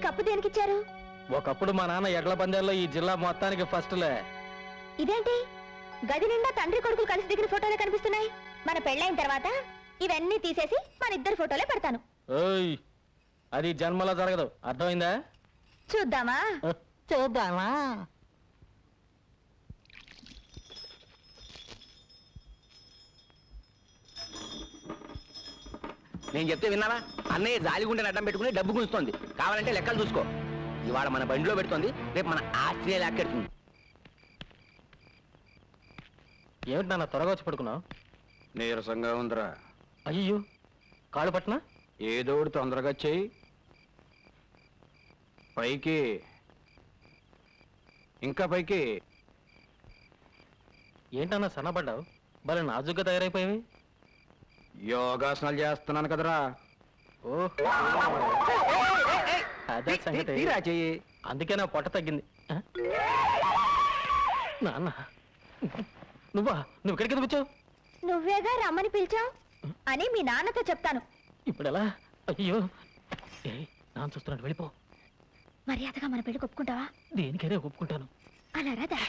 Cup దేనికిచ్చారు? ఒకప్పుడు మా నాన్న ఎడ్ల పందాల్లో ఈ జిల్లా మొత్తానికి ఫస్ట్లే. ఇదేంటి గది నిండా తండ్రి కొడుకులు కలిసి దిగిన ఫోటోలే కనిపిస్తున్నాయి. మన పెళ్ళైన తర్వాత ఇవన్నీ తీసేసి మన ఇద్దరు ఫోటోలే పెడతాను. ఓయ్, అది జన్మలో జరగదు, అర్థమైందా? చూద్దామా? చూద్దామా? నేను చెప్తే విన్నావా? అన్నయ్య జాలిగుండెని అడ్డం పెట్టుకుని డబ్బు గుంజుతోంది. కావాలంటే లెక్కలు చూసుకో. ఇవాళ మన బండిలో పెడుతోంది, రేపు మన ఆస్ట్రియా లాక్కెడుతుంది. ఏమిటి నాన్న త్వరగా వచ్చి పడుకున్నావు? నీరసంగా ఉందిరా. అయ్యో, కాళ్ళు పట్టినా? ఏదో ఒకటి తొందరగా చెయ్యి. పైకి, ఇంకా పైకి. ఏంటన్నా సన్నపడ్డావు? భలే నాజుగ్గా తయారైపోయావి. యోగాసనాలు చేస్తున్నాను కదరా. ఓహో, అదే సంగతి. తీరా చెయ్యి. అందుకే నా పొట్ట తగ్గింది. నాన్న, నువ్వు ఇక్కడికి ఎందుకు వచ్చావు? నువ్వేగా రమ్మని పిలిచావు అని మీ నాన్నతో చెప్తాను. ఇప్పుడు ఎలా? అయ్యో, నాన్న చూస్తున్నాడు, వెళ్ళిపో. మర్యాదగా మన పెళ్లి ఒప్పుకుంటావా? దేనికైనా ఒప్పుకుంటాను. అలా రాదా?